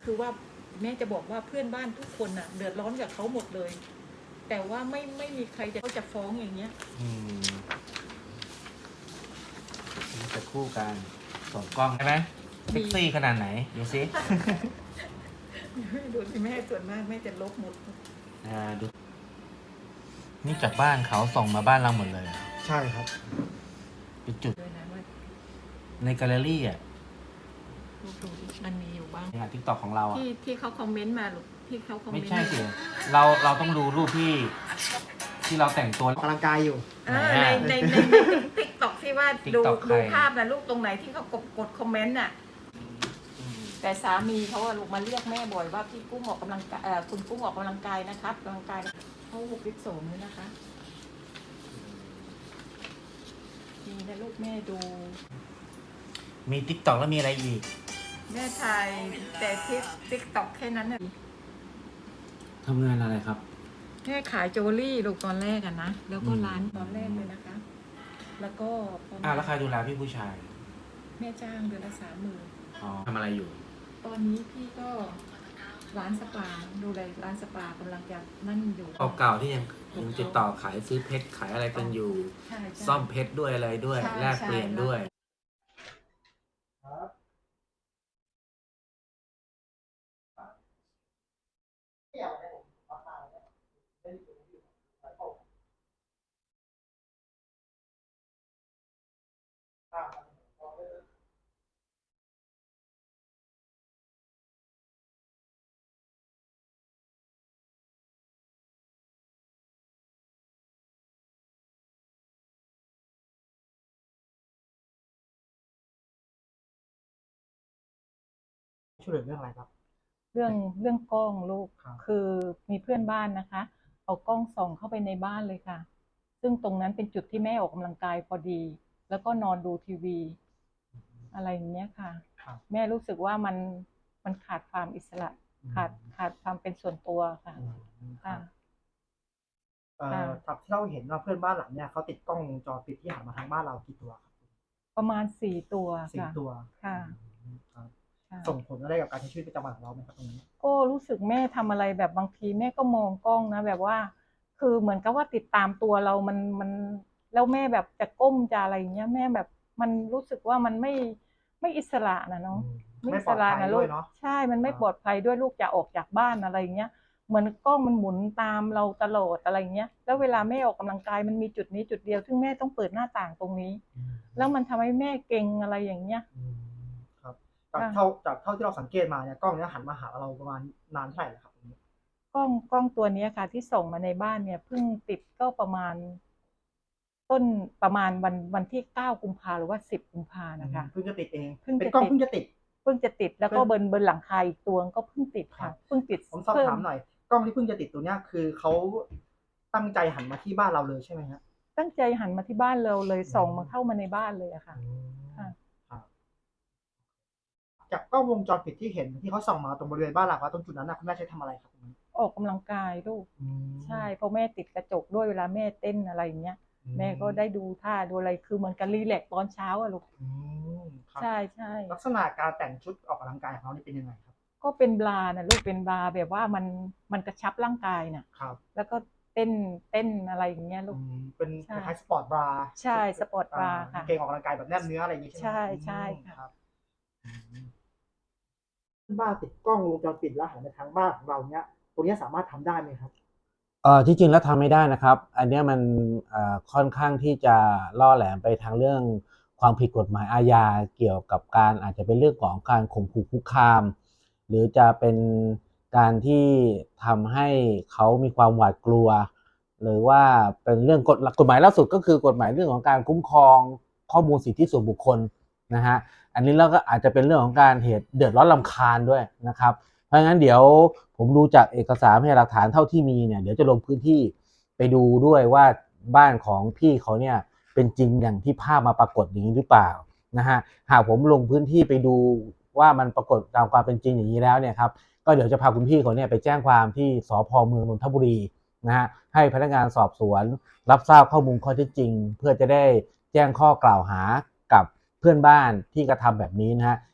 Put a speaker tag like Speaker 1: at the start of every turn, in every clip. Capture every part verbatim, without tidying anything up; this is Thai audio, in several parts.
Speaker 1: คือว่าแม่จะบอกว่าเพื่อนบ้านทุกคนน่ะเดือดร้อนกับเขาหมดเลย แต่ว่าไม่ไม่มีใครจะเขาจะฟ้องอย่างเงี้ย
Speaker 2: อืมนี่จะคู่กันสองกล้องใช่ไหมเซ็กซี่ขนาดไหนดูสิ
Speaker 1: ดูสิแม่ส่วนมากแม่จะลบหมด
Speaker 2: อ่าดูนี่จากบ้านเขาส่งมาบ้านเราหมดเลยเหรอ
Speaker 3: ใช่ครับ
Speaker 2: เป็นจุด
Speaker 1: ด้วยนะว่า
Speaker 2: ในแกลเลอรี่อ่ะ
Speaker 1: ลูกดูดิมันมีอยู่บ้าง
Speaker 2: ในทิกตอกของเราอ่ะ
Speaker 1: ที่ที่เขาคอมเมนต์มาลูกที่เขาคอมเม
Speaker 2: ไม่
Speaker 1: นต์
Speaker 2: ใช่สิเราเราต้องดูรูปที่ที่เราแต่งตัว
Speaker 3: ออกกำลังกายอยู่
Speaker 1: เออในในในติ๊กต็อกที่ว่าดู
Speaker 2: TikTok ใคร
Speaker 1: ดูภาพนะลูกตรงไหนที่เขากดกดคอมเมนต์น่ะ แต่สามีเขาอะลูกมาเรียกแม่บ่อยว่าพี่กุ้งออกกำลังกายเอ่อคุณกุ้งออกกำลังกายนะครับกำลังกายเขาหกสิบสองเลยนะคะนี่นะลูกแม่ดู
Speaker 2: มีทิกตอกแล้วมีอะไรอีก
Speaker 1: แม่ถ่ายแต่ที่ติ๊กต็อกแค่นั้นน่ะ
Speaker 2: ทำงานอะไรครับ
Speaker 1: แม่ขายโจวเวลรี่ลูกตอนแรกอะนะแล้วก็
Speaker 2: อืม
Speaker 1: ร้านตอนแรกเลยนะคะ แล้วก็พอ
Speaker 2: อ่าแล้วใครดูแลพี่ผู้ชาย
Speaker 1: แม่จ้างเดือนละสามหมื่น
Speaker 2: อ๋อทำอะไรอยู่
Speaker 1: ตอนนี้พี่ก็ร้านสปาดูแลร้านสปากำลังจะนั่นอยู่
Speaker 2: เก่าๆที่ยังยังติดต่อขายซื้อเพชรขายอะไรกันอยู่
Speaker 1: ใช่ใช่
Speaker 2: ซ่อมเพชรด้วยอะไรด้วย
Speaker 1: ใช่
Speaker 2: แลกเปลี่ยนด้วย
Speaker 3: ช่วยเหลือเรื่องอะไรครับ
Speaker 1: เรื่องเรื่องกล้องลูก
Speaker 3: ครับ
Speaker 1: คือมีเพื่อนบ้านนะคะ เอากล้องส่องเข้าไปในบ้านเลยค่ะ ซึ่งตรงนั้นเป็นจุดที่แม่ออกกำลังกายพอดี แล้วก็นอนดูทีวี อะไรอย่างเงี้ยค่ะ
Speaker 3: ครับ
Speaker 1: แม่รู้สึกว่ามันมันขาดความอิสระ ขาดขาดความเป็นส่วนตัวค่ะ
Speaker 3: อืมค
Speaker 1: ค่ะ
Speaker 3: รับเอ่
Speaker 1: ค่ะ
Speaker 3: อจากที่เราเห็นว่าเพื่อนบ้านหลังเนี่ยเขาติดกล้องวงจรปิดที่หันมาทางบ้านเรากี่ตัวครับ
Speaker 1: ประมาณสี่ตัว
Speaker 3: สี่
Speaker 1: ค่ะ
Speaker 3: ตัว
Speaker 1: ค่ะ
Speaker 3: อืมครับ
Speaker 1: ค่ะ
Speaker 3: ส่งผลอะไรกับการใช้ชีวิตประจำวันของเราไหมครับตรงนี้
Speaker 1: ก็รู้สึกแม่ทำอะไรแบบบางทีแม่ก็มองกล้องนะแบบว่า คือเหมือนกับว่าติดตามตัวเรามันมันแล้วแม่แบบจะก้มจะอะไรอย่างเงี้ยแม่แบบมันรู้สึกว่ามันไม่ไม่อิสระนะเนาะ
Speaker 3: ไม่
Speaker 1: ไม่
Speaker 3: ปลอด
Speaker 1: สระ
Speaker 3: ภัย
Speaker 1: นะ
Speaker 3: ด้
Speaker 1: ลู
Speaker 3: วย
Speaker 1: ก
Speaker 3: เนาะ
Speaker 1: ใช่มันไม่
Speaker 3: ครับ
Speaker 1: ปลอดภัยด้วยลูกจะออกจากบ้านอะไรอย่างเงี้ยเหมือนกล้องมันหมุนตามเราตลอดอะไรอย่างเงี้ยแล้วเวลาแม่ออกกำลังกายมันมีจุดนี้จุดเดียวซึ่งแม่ต้องเปิดหน้าต่างตรงนี้
Speaker 3: อืม
Speaker 1: แล้วมันทำให้แม่เกร็งอะไรอย่างเงี้ย
Speaker 3: อืมครับจาก
Speaker 1: ค่ะ
Speaker 3: เท่าจากเท่าที่เราสังเกตมาเนี่ยกล้องเนี้ยหันมาหาเราประมาณนานเท่าไหร่แล้วครับตรงนี้
Speaker 1: กล้องกล้องตัวเนี้ยค่ะ ที่ส่งมาในบ้านเนี่ยเพิ่งติดก็ประมาณ ต้นประมาณวันวันที่เก้ากุมภาหรือว่าสิบกุมภานะคะ
Speaker 3: เพิ่งจะติดเอง
Speaker 1: เพิ่ง
Speaker 3: เป็น
Speaker 1: จะ
Speaker 3: กล้อง
Speaker 1: ติด
Speaker 3: เพิ่งจะติด
Speaker 1: เพิ่งจะติดแล้วก็
Speaker 3: เพิ่
Speaker 1: เบิ
Speaker 3: ง
Speaker 1: นเบินหลังคาอีกตัวก็เพิ่งติด
Speaker 3: ครั
Speaker 1: ค่ะ
Speaker 3: บ
Speaker 1: เพิ่งติด
Speaker 3: ผมสอบ
Speaker 1: เพิ่
Speaker 3: ถามหน่อยกล้องที่เพิ่งจะติดตัวเนี้ยคือเขาตั้งใจหันมาที่บ้านเราเลยใช่ไหมฮะ
Speaker 1: ตั้งใจหันมาที่บ้านเราเลยส่องมาเข้ามาในบ้านเลยอะค่ะ
Speaker 3: อืม
Speaker 1: ค่ะ
Speaker 3: ครับจากกล้องวงจรปิดที่เห็นที่เขาส่องมาตรงบริเวณบ้านเราว่าตรงจุดนั้นนะคุณแม่ใช้ทำอะไรครับตรงนี้
Speaker 1: ออกกำลังกายลูก
Speaker 3: อืม
Speaker 1: ใช่เพราะแม่ติดกระจกด้วยเวลาแม่เต้นอะไรอย่างเงี้ย แม่ก็ได้ดูท่าดูอะไรคือเหมือนกันรีแลกซ์ตอนเช้าอะลูก
Speaker 3: อืมครับ
Speaker 1: ใช่ใช่
Speaker 3: ลักษณะการแต่งชุดออกกำลังกายของเรานี่เป็นยังไงครับ
Speaker 1: ก็เป็นบรานะลูกเป็นบราแบบว่ามันมันกระชับร่างกายน่ะ
Speaker 3: ครับ
Speaker 1: แล้วก็เต้นเต้นอะไรอย่างเงี้ยลู
Speaker 3: อื
Speaker 1: ก
Speaker 3: มเป็น
Speaker 1: ใช่
Speaker 3: คล้ายๆสปอร์ตบรา
Speaker 1: ใช่สปอร์ตบราค่ะ
Speaker 3: กางเกงออกกำลังกายแบบแนบเนื้ออะไรอย่างงี้ใช่ไหม
Speaker 1: ใช่ใช่
Speaker 3: อืม
Speaker 1: ค่ะ
Speaker 3: ครับอืมบ้านติดกล้องวงจรปิดแล้วหันไปทางบ้านของเราเนี้ยตรงเนี้ยสามารถทำได้ไหมครับ
Speaker 2: เอ่อที่จริงแล้วทำไม่ได้นะครับ อันเนี้ยมันเอ่อค่อนข้างที่จะล่อแหลมไปทางเรื่องความผิดกฎหมายอาญาเกี่ยวกับการอาจจะเป็นเรื่องของการข่มขู่คุกคาม หรือจะเป็นการที่ทำให้เขามีความหวาดกลัว หรือว่าเป็นเรื่องกฎกฎหมายล่าสุดก็คือกฎหมายเรื่องของการคุ้มครองข้อมูลสิทธิส่วนบุคคลนะฮะอันนี้แล้วก็อาจจะเป็นเรื่องของการเหตุเดือดร้อนรำคาญด้วยนะครับ เพราะงั้นเดี๋ยวผมดูจากเอกสารพยานหลักฐานเท่าที่มีเนี่ยเดี๋ยวจะลงพื้นที่ไปดูด้วยว่าบ้านของพี่เขาเนี่ยเป็นจริงอย่างที่ภาพมาปรากฏอย่างนี้หรือเปล่านะฮะหากผมลงพื้นที่ไปดูว่ามันปรากฏตามความเป็นจริงอย่างนี้แล้วเนี่ยครับก็เดี๋ยวจะพาคุณพี่เขาเนี่ยไปแจ้งความที่สภ.เมืองนนทบุรีนะฮะให้พนักงานสอบสวนรับทราบข้อมูลข้อเท็จจริง เพื่อจะได้แจ้งข้อกล่าวหากับเพื่อนบ้านที่กระทำแบบนี้นะฮะ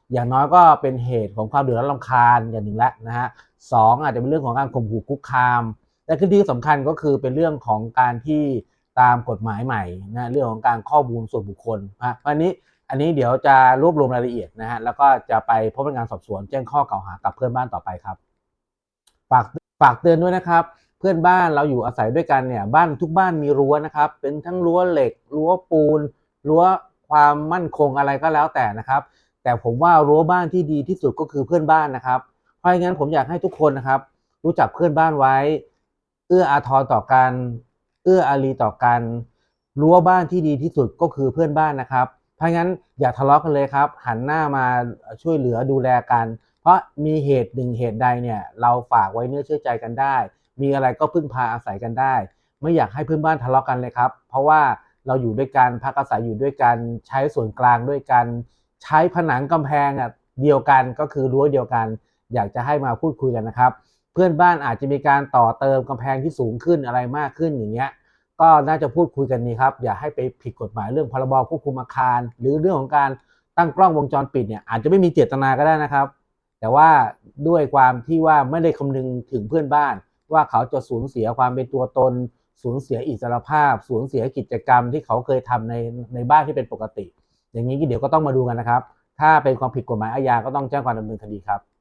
Speaker 2: อย่างน้อยก็เป็นเหตุของความเดือดร้อนรำคาญอย่างหนึ่งแล้วนะฮะสองอาจจะเป็นเรื่องของการข่มขู่คุกคามและที่สำคัญก็คือเป็นเรื่องของการที่ตามกฎหมายใหม่นะเรื่องของการข้อมูลส่วนบุคคลนะวันนี้อันนี้เดี๋ยวจะรวบรวมรายละเอียดนะฮะแล้วก็จะไปพบพนักงานสอบสวนแจ้งข้อกล่าวหากับเพื่อนบ้านต่อไปครับฝากฝากเตือนด้วยนะครับเพื่อนบ้านเราอยู่อาศัยด้วยกันเนี่ยบ้านทุกบ้านมีรั้วนะครับเป็นทั้งรั้วเหล็กรั้วปูนรั้วความมั่นคงอะไรก็แล้วแต่นะครับแต่ผมว่ารั้วบ้านที่ดีที่สุดก็คือเพื่อนบ้านนะครับเพราะงั้นผมอยากให้ทุกคนนะครับรู้จักเพื่อนบ้านไว้เอื้ออาทรต่อกันเอื้ออารีต่อกันรั้วบ้านที่ดีที่สุดก็คือเพื่อนบ้านนะครับเพราะงั้นอย่าทะเลาะกันเลยครับหันหน้ามาช่วยเหลือดูแลกันเพราะมีเหตุหนึ่งเหตุใดเนี่ยเราฝากไว้เนื้อเชื่อใจกันได้มีอะไรก็พึ่งพาอาศัยกันได้ไม่อยากให้เพื่อนบ้านทะเลาะกันเลยครับเพราะว่าเราอยู่ด้วยกันพักอาศัยอยู่ด้วยกันใช้ส่วนกลางด้วยกันใช้ผนังกำแพงอ่ะเดียวกันก็คือรั้วเดียวกันอยากจะให้มาพูดคุยกันนะครับเพื่อนบ้านอาจจะมีการต่อเติมกำแพงที่สูงขึ้นอะไรมากขึ้นอย่างเงี้ยก็น่าจะพูดคุยกันนี้ครับอย่าให้ไปผิดกฎหมายเรื่องพรบควบคุมอาคารหรือเรื่องของการตั้งกล้องวงจรปิดเนี่ยอาจจะไม่มีเจตนาก็ได้นะครับแต่ว่าด้วยความที่ว่าไม่ได้คำนึงถึงเพื่อนบ้านว่าเขาจะสูญเสียความเป็นตัวตนสูญเสียอิสรภาพสูญเสียกิจกรรมที่เขาเคยทำในในบ้านที่เป็นปกติอย่างนี้เดี๋ยวก็ต้องมาดูกันนะครับถ้าเป็นความผิดกฎหมายอาญาก็ต้องแจ้งความดำเนินคดีครับ